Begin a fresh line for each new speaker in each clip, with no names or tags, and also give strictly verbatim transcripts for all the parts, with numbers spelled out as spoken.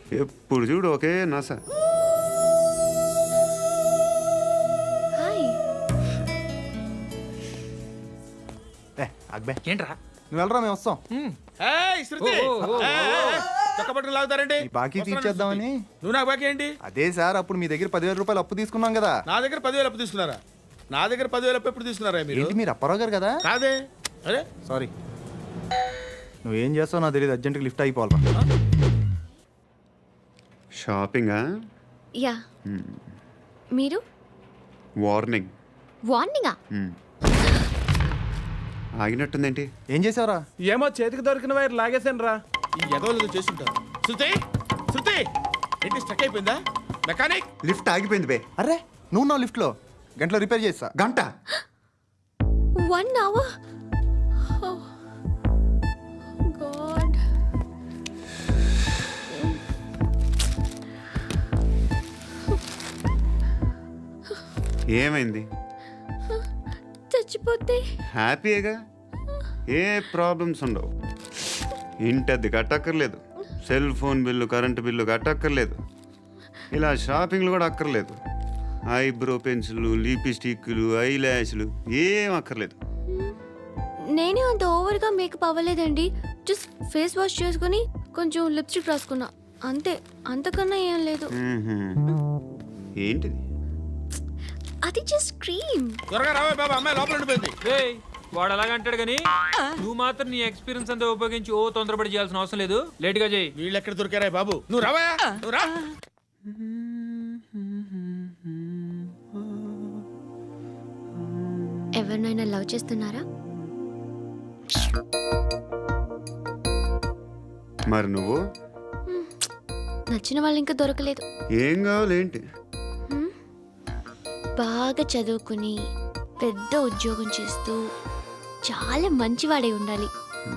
ఎప్పుడు చూడు ఒకే నాస.
అక్బే
ఏంట్రా
నువ్వు వెళ్ళరా మేము వస్తాం.
లాగుతారండి
బాకీ తీర్చేద్దామని.
నువ్వు నాకు బాకీ ఏంటి?
అదే సార్ అప్పుడు మీ దగ్గర పదివేల రూపాయలు అప్పు తీసుకున్నాం కదా.
నా దగ్గర పదివేలు అప్పు తీసుకున్నారా? నా దగ్గర పదివేలు అప్పు ఎప్పుడు తీసుకున్నారా మీరు?
ఏంటి మీరు అప్పారావు గారు కదా?
కాదే. అరే
సారీ, నువ్వేం చేస్తావు నాకు తెలియదు. అర్జెంట్గా లిఫ్ట్ అయిపోవాలరా.
షాపింగా?
యా. మీరు?
వార్నింగ్.
వార్నింగా?
ఆగినట్టుందేంటి?
ఏం చేసావురా?
ఏమో చేతికి దొరికిన వైర్ లాగేసాను రా.
ఈ ఎదవలు చేస్తుంటారు. శృతి శృతి ఏంటి స్టక్ అయిపోయిందా? మెకానిక్
లిఫ్ట్ ఆగిపోయింది బే.
అరే నువ్వు నా లిఫ్ట్లో గంటలో రిపేర్ చేస్తా.
గంట?
One hour? గాడ్.
ఏమైంది?
చచ్చిపోతే
హ్యాపీగా, ఏ ప్రాబ్లమ్స్ ఉండవు. ఇంటి అద్దె కట్టక్కర్లేదు, cell phone bill current bill కట్టక్కర్లేదు, ఇలా షాపింగ్లు కూడా అక్కర్లేదు. ఐబ్రో పెన్సిల్లు, లిప్స్టిక్లు, ఐ ల్యాష్లు ఏం అక్కర్లేదు.
నేనే అంత ఓవర్గా మేకప్ అవ్వలేదండి. జస్ట్ ఫేస్ వాష్ చేసుకుని కొంచెం లిప్స్టిక్ రాసుకున్నా అంతే. అంతకన్నా ఏం లేదు.
ఏంటిది?
అది జస్ట్ క్రీమ్.
త్వరగా రావే బాబా, అమ్మాయి లోపల ఉండిపోయింది.
వాడు అలాగ అంటాడు కానీ నువ్వు మాత్రం నీ ఎక్స్పీరియన్స్ అంతా ఉపయోగించి ఓ తొందరపడి చేయాల్సిన అవసరం లేదు. లేట్ గా చేయి.
వీళ్ళు ఎక్కడ దొరికారా బాబు? నువ్వు రావా, నువ్వు రా.
ఎవరినైనా లవ్ చేస్తున్నారా?
మరి నువ్వు?
నచ్చిన వాళ్ళు ఇంకా దొరకలేదు.
ఏం కావాలి ఏంటి?
బాగా చదువుకుని పెద్ద ఉద్యోగం చేస్తూ చాలా మంచివాడై ఉండాలి.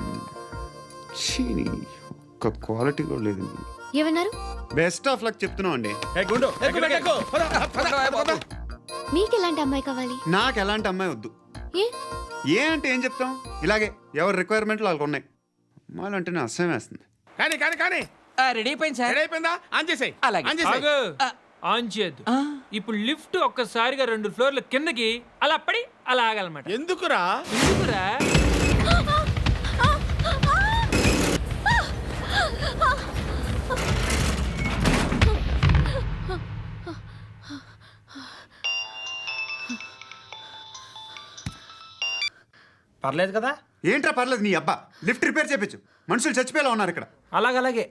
ఒక్క క్వాలిటీ కూడా లేదు.
ఏమన్నారు?
బెస్ట్ ఆఫ్ లక్ చెప్తున్నావు అండి.
మీకు ఎలాంటి అమ్మాయి కావాలి?
నాకు ఎలాంటి అమ్మాయి వద్దు.
ఏ
ఏ అంటే ఏం చెప్తాం, ఇలాగే ఎవరి రిక్వైర్మెంట్లు వాళ్ళకు ఉన్నాయి. అమ్మాయిలు అంటేనే అసహ్యం వేస్తుంది.
కానీ కానీ కానీ
రెడీ అయిపోయింది సార్.
రెడీ అయిపోయిందా? ఆన్ చేసేయ్.
అలాగే.
ఆన్ చేసేయ్.
ఆన్ చేయద్దు. ఇప్పుడు లిఫ్ట్ ఒక్కసారిగా రెండు ఫ్లోర్ల కిందకి అలా పడి అలా ఆగాలన్నమాట.
ఎందుకురా?
ఎందుకురా?
పర్లేదు కదా?
ఏంట్రా పర్లేదు నీ అబ్బా. లిఫ్ట్ రిపేర్ చేయించు. మనుషులు చచ్చిపోయేలా ఉన్నారు ఇక్కడ.
అలాగలాగే.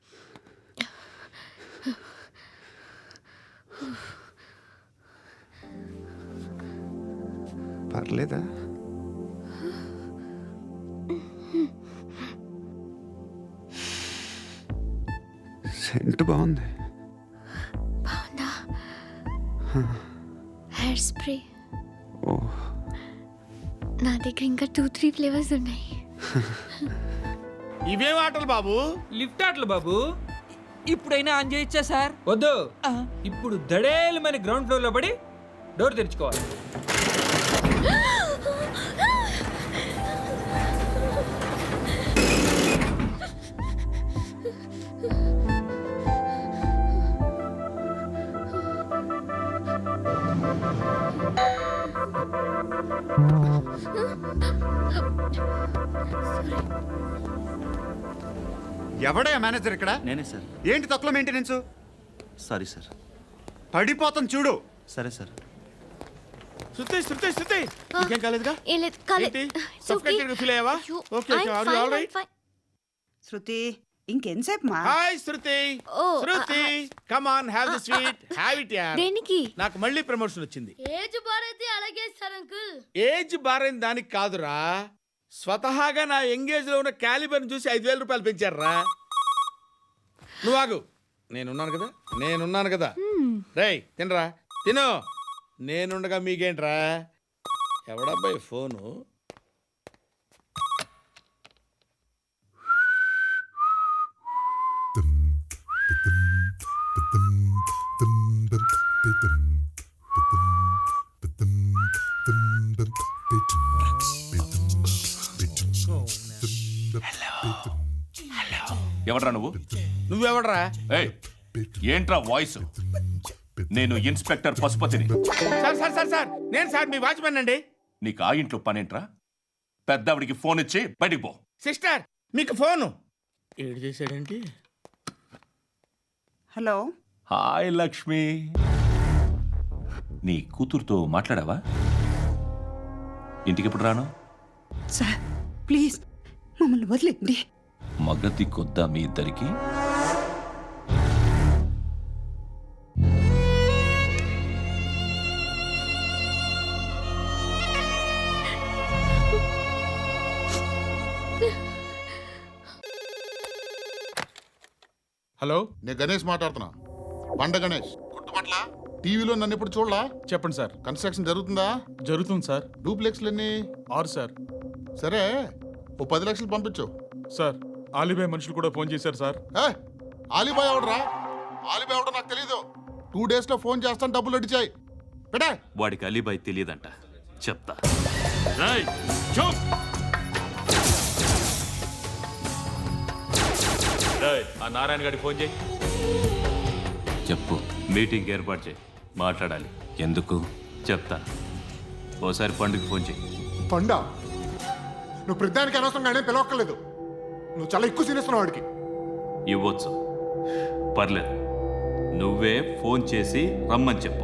పర్లేదా? సెంట్ బాగుంది.
బాగుందా? Hair spray.
ఓ,
నా దగ్గర ఇంకా టూ త్రీ ఫ్లేవర్స్ ఉన్నాయి.
ఇవేం ఆటలు బాబు?
లిఫ్ట్ ఆటలు బాబు.
ఇప్పుడైనా ఆన్ చేయొచ్చా సార్?
వద్దు. ఇప్పుడు దడేలు మన గ్రౌండ్ ఫ్లోర్ లో పడి డోర్ తెరుచుకోవాలి.
ఎవడయ్యా మేనేజర్ ఇక్కడ?
నేనే సార్.
ఏంటి తక్కువ మెయింటెనెన్స్?
Sorry sir.
పడిపోతాం చూడు.
సరే సార్.
శృతి శృతి శృతి ఇంకేం కాలేదుగా?
ఏం లేదు, కాలేదు.
ఏంటి? సఫోకేటెడ్ గా ఫీల్ అయ్యావా? Okay okay, are you all right?
Shruti ఇంకెంతసేపు మా?
Hi Shruti.
Oh,
Shruti come on, have the sweet, have it యార్.
దేనికి?
నాకు మళ్ళీ ప్రమోషన్ వచ్చింది.
ఏజ్ బారైతే అలాగే సార్ అంకుల్.
ఏజ్ బారైన దానికి కాదురా, స్వతహాగా నా ఎంగేజ్ లో ఉన్న క్యాలిబర్ చూసి ఐదు వేల రూపాయలు పెంచారా. నువ్వు ఆగు, నేనున్నాను కదా, నేనున్నాను కదా. రేయ్ తినరా, తిను. నేనుండగా మీకేంట్రా? ఎవడబ్బాయి ఫోను?
ఎవడ్రా నువ్వు?
నువ్వెవడరా?
ఏయ్, ఏంట్రా వాయిస్? నేను ఇన్స్పెక్టర్ పశుపతిని.
సార్ సార్ సార్ సార్ నేను సార్ మీ వాచ్మెన్ అండి.
నీకు ఆ ఇంట్లో పనేంట్రా? పెద్దవిడికి ఫోన్ ఇచ్చి బయటికి పో.
సిస్టర్ మీకు ఫోను. ఏడు చేశాడేంటి?
హలో
హాయ్ లక్ష్మి, నీ కూతురుతో మాట్లాడావా? ఇంటికి ఎప్పుడు రాను?
సార్ ప్లీజ్ మమ్మల్ని వదిలేండి.
మగతి కొద్దా మీ ఇద్దరికి?
హలో,
నేను గణేష్ మాట్లాడుతున్నా. బండ గణేష్ గుర్తుపట్ల? టీవీలో నన్ను ఇప్పుడు చూడలా?
చెప్పండి సార్.
కన్స్ట్రక్షన్ జరుగుతుందా?
జరుగుతుంది సార్.
డూప్లెక్స్లు ఎన్ని?
ఆరు సార్.
సరే, ఓ పది లక్షలు పంపించు.
సార్ ఆలిబాయ్ మనుషులు కూడా ఫోన్ చేశారు సార్.
ఏ ఆలిబాయ్ ఎవడరా? ఆలిబాయ్ ఎవడో నాకు తెలీదు. టూ డేస్ లో ఫోన్ చేస్తాను, డబ్బులు అడిచాయి పెడే.
వాడికి అలీబాయ్ తెలియదంట, చెప్తా.
ఆ నారాయణ గారికి ఫోన్ చేయి.
చెప్పు. మీటింగ్ ఏర్పాటు చేయి, మాట్లాడాలి. ఎందుకు చెప్తా. ఓసారి పండుగ ఫోన్ చేయి.
పండ నువ్వు ప్రతిదానికి అనవసరంగానే పిలవక్కర్లేదు. నువ్వు చాలా ఎక్కువ సీనిస్తున్నావు వాడికి.
ఇవ్వచ్చు, పర్లేదు. నువ్వే ఫోన్ చేసి రమ్మని చెప్పు.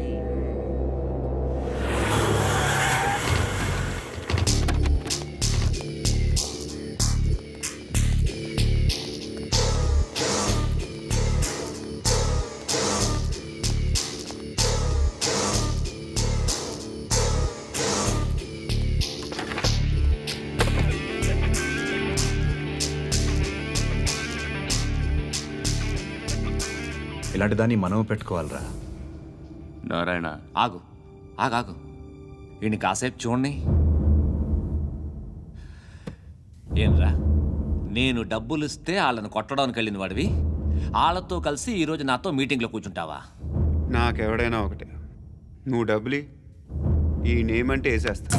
ఇలాంటి దాన్ని మనం పెట్టుకోవాలరా.
నారాయణ,
ఆగు ఆగాగు ఈయన కాసేపు చూడండి. ఏంరా, నేను డబ్బులు ఇస్తే వాళ్ళని కొట్టడానికి వెళ్ళిన వాడివి, వాళ్ళతో కలిసి ఈరోజు నాతో మీటింగ్లో కూర్చుంటావా?
నాకెవడైనా ఒకటే. నువ్వు డబ్బులి, ఈ నేమ్ అంటే వేసేస్తా.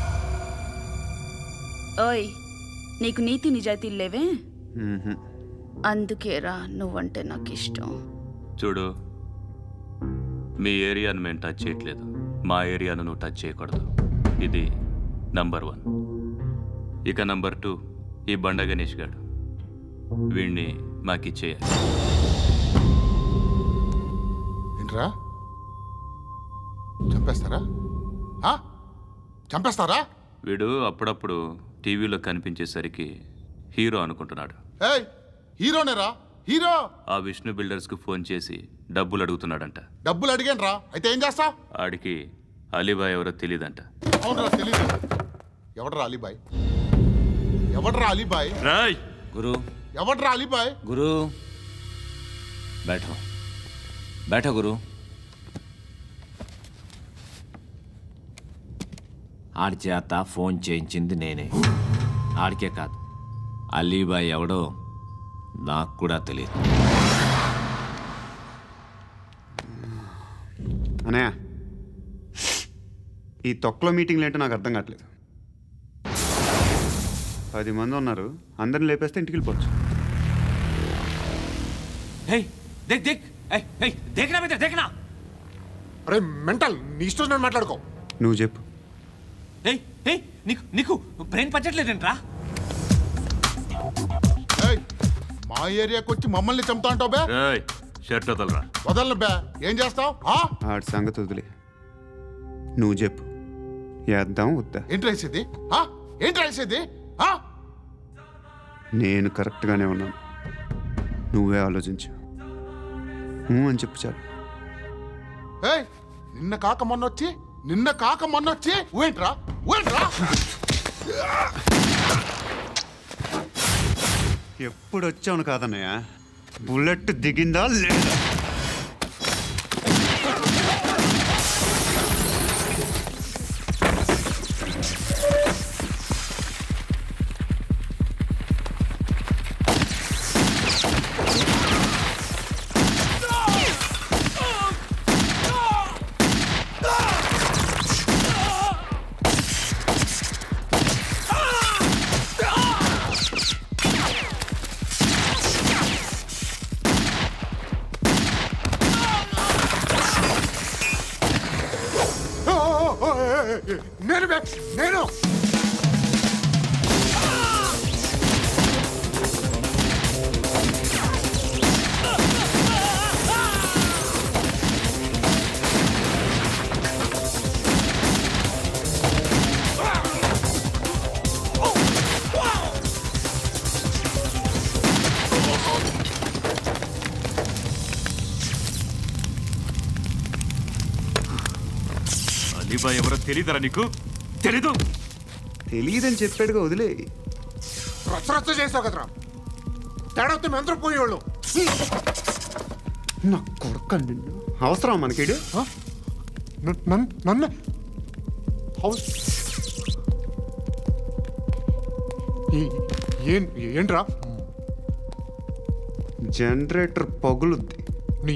ఓయ్ నీకు నీతి నిజాయితీలు లేవే,
మ్మ్హ.
అందుకేరా నువ్వంటే నాకు ఇష్టం.
చూడు, మీ ఏరియాను మేము టచ్ చేయట్లేదు, మా ఏరియాను నువ్వు టచ్ చేయకూడదు. ఇది నంబర్ వన్. ఇక నంబర్ టూ, ఈ బండ గణేష్ గారు, వీణ్ణి మాకిచ్చేయాలి.
ఏంట్రా, చంపేస్తారా? ఆ? చంపేస్తారా?
వీడు అప్పుడప్పుడు టీవీలో కనిపించేసరికి హీరో అనుకుంటున్నాడు.
ఏయ్ హీరోనేరా, హీరో.
ఆ విష్ణు బిల్డర్స్కు ఫోన్ చేసి డబ్బులు అడుగుతున్నాడంట.
డబ్బులు అడిగాను రా, అయితే ఏం చేస్తా?
ఆడికి అలీబాయ్ ఎవరో తెలీదంట.
అవునరా, తెలీదు. ఎవడరా అలీబాయ్? ఎవడరా అలీబాయ్?
రాయ్
గురు
ఎవడరా అలీబాయ్?
గురు బైఠో బైఠో గురు. ఆడి చేత ఫోన్ చేయించింది నేనే. ఆడికే కాదు, అలీబాయ్ ఎవడో నాకు కూడా తెలియదు.
అనయ్య, ఈ తొక్కలో మీటింగ్లు ఏంటో నాకు అర్థం కావట్లేదు. పది మంది ఉన్నారు, అందరిని లేపేస్తే ఇంటికి వెళ్ళిపోవచ్చు.
హే దేక్ దేక్ ఏయ్ ఏయ్ దేకనా బిడ్డ దేకనా.
అరే మెంటల్, నీ ఇష్టం నేను మాట్లాడుకో.
నువ్వు చెప్పు.
ఏయ్ ఏయ్ నీకు నీకు బ్రెయిన్ పచ్చట్లేదంట్రా.
ఏయ్ మా ఏరియాకి వచ్చి మమ్మల్ని చంపుతా అంటావు బే?
రాయ్ షర్ట్ వదలరా.
వదలను బే. ఏం చేస్తావు?
ఆడి సంగతి వదిలే, నువ్వు చెప్పు. వేద్దాం వద్దా?
ఏంటి రాసేది? ఏంటి రాసేది?
నేను కరెక్ట్గానే ఉన్నాను, నువ్వే ఆలోచించు. ఊ అని చెప్పు చాలు.
ఏయ్ నిన్న కాక మొన్న వచ్చి నిన్న కాక మొన్న వచ్చి ఊయంట్రా ఊయంట్రా.
ఎప్పుడు వచ్చావును కాదన్నయ్య, బుల్లెట్ దిగిందా లేదా?
నేను బే, నేను
అలీబాయ్ ఎవరో తెలీదరా నీకు? తెలీదు.
తెలియదని చెప్పాడుగా వదిలే.
రచ్చ రచ్చ చేసావు కదరా. తేడా వస్తే మెంతరం పోయేవాళ్ళు.
నా కొడుకు నిన్ను అవసరం మనకిడు.
నన్ను హౌస్ ఏంట్రా?
జనరేటర్ పగులుద్ది.